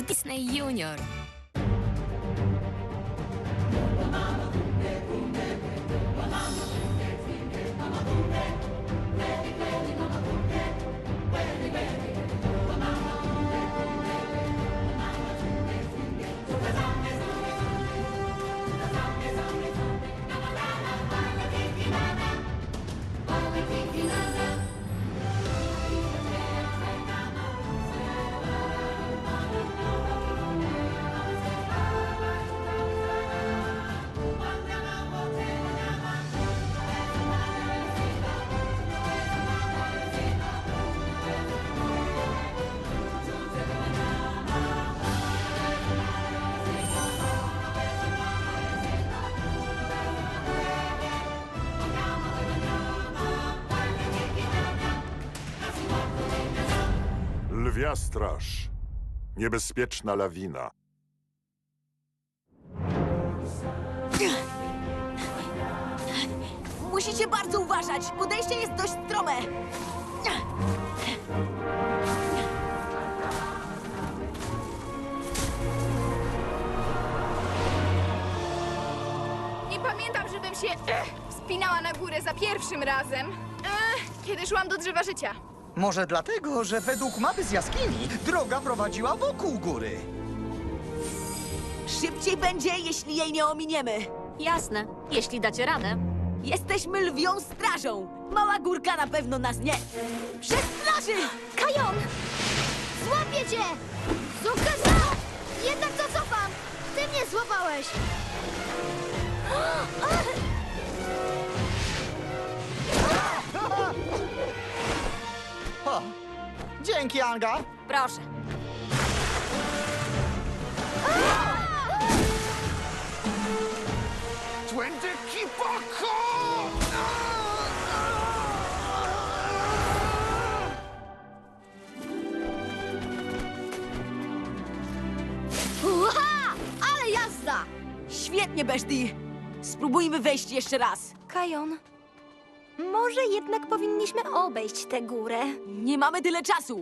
Disney Junior. Lwia straż. Niebezpieczna lawina. Musicie bardzo uważać. Podejście jest dość strome. Nie pamiętam, żebym się wspinała na górę za pierwszym razem, kiedy szłam do drzewa życia. Może dlatego, że według mapy z jaskini droga prowadziła wokół góry. Szybciej będzie, jeśli jej nie ominiemy. Jasne, jeśli dacie radę. Jesteśmy lwią strażą. Mała górka na pewno nas nie przestraży. Kajon! Złapię cię! Zukaza! Jednak to cofam! Ty mnie złapałeś! O, dzięki, Anga. Proszę. Uha! Ale jazda! Świetnie, Beszti. Spróbujmy wejść jeszcze raz. Kajon, może jednak powinniśmy obejść tę górę. Nie mamy tyle czasu.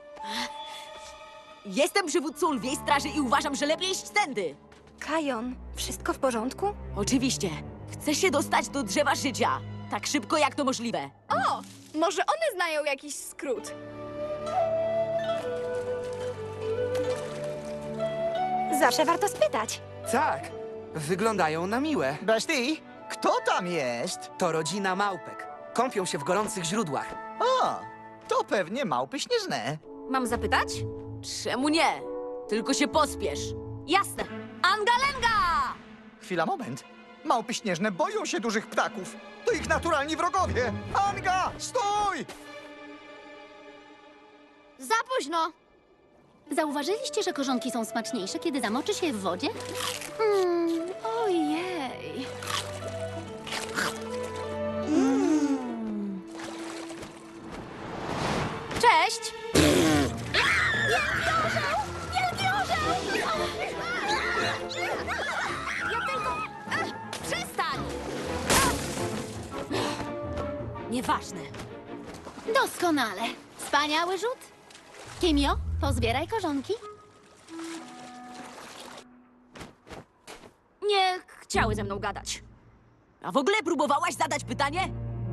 Jestem przywódcą lwiej straży i uważam, że lepiej iść tędy. Kajon, wszystko w porządku? Oczywiście. Chcę się dostać do drzewa życia. Tak szybko, jak to możliwe. O, może one znają jakiś skrót. Zawsze warto spytać. Tak, wyglądają na miłe. Beszti, kto tam jest? To rodzina małpek. Kąpią się w gorących źródłach. O, to pewnie małpy śnieżne. Mam zapytać? Czemu nie? Tylko się pospiesz. Jasne. Angalenga! Chwila, moment. Małpy śnieżne boją się dużych ptaków. To ich naturalni wrogowie. Anga, stój! Za późno! Zauważyliście, że korzonki są smaczniejsze, kiedy zamoczy się je w wodzie? Ojej! Cześć! Wielki orzeł! Ja tylko... Przestań! Nieważne. Doskonale. Wspaniały rzut. Kimio, pozbieraj korzonki. Nie chciały ze mną gadać. A w ogóle próbowałaś zadać pytanie?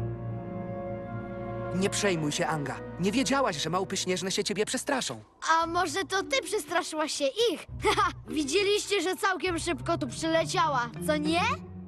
Nie przejmuj się, Anga. Nie wiedziałaś, że małpy śnieżne się ciebie przestraszą. A może to ty przestraszyłaś się ich? Haha, widzieliście, że całkiem szybko tu przyleciała, co nie?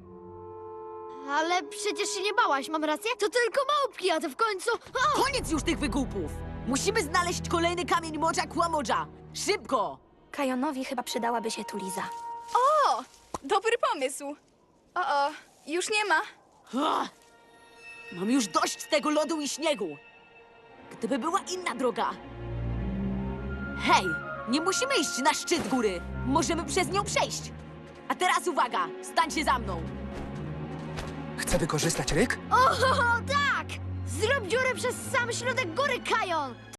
Ale przecież się nie bałaś, mam rację? To tylko małpki, a ty w końcu... O! Koniec już tych wygłupów! Musimy znaleźć kolejny kamień Modża Kłamodża. Szybko! Kajonowi chyba przydałaby się tu Liza. O, dobry pomysł. O, już nie ma. Ah! Mam już dość tego lodu i śniegu. Gdyby była inna droga. Hej, nie musimy iść na szczyt góry. Możemy przez nią przejść. A teraz uwaga, stańcie za mną. Chcę wykorzystać ryk? O, tak! Zrób dziurę przez sam środek góry, Kajon!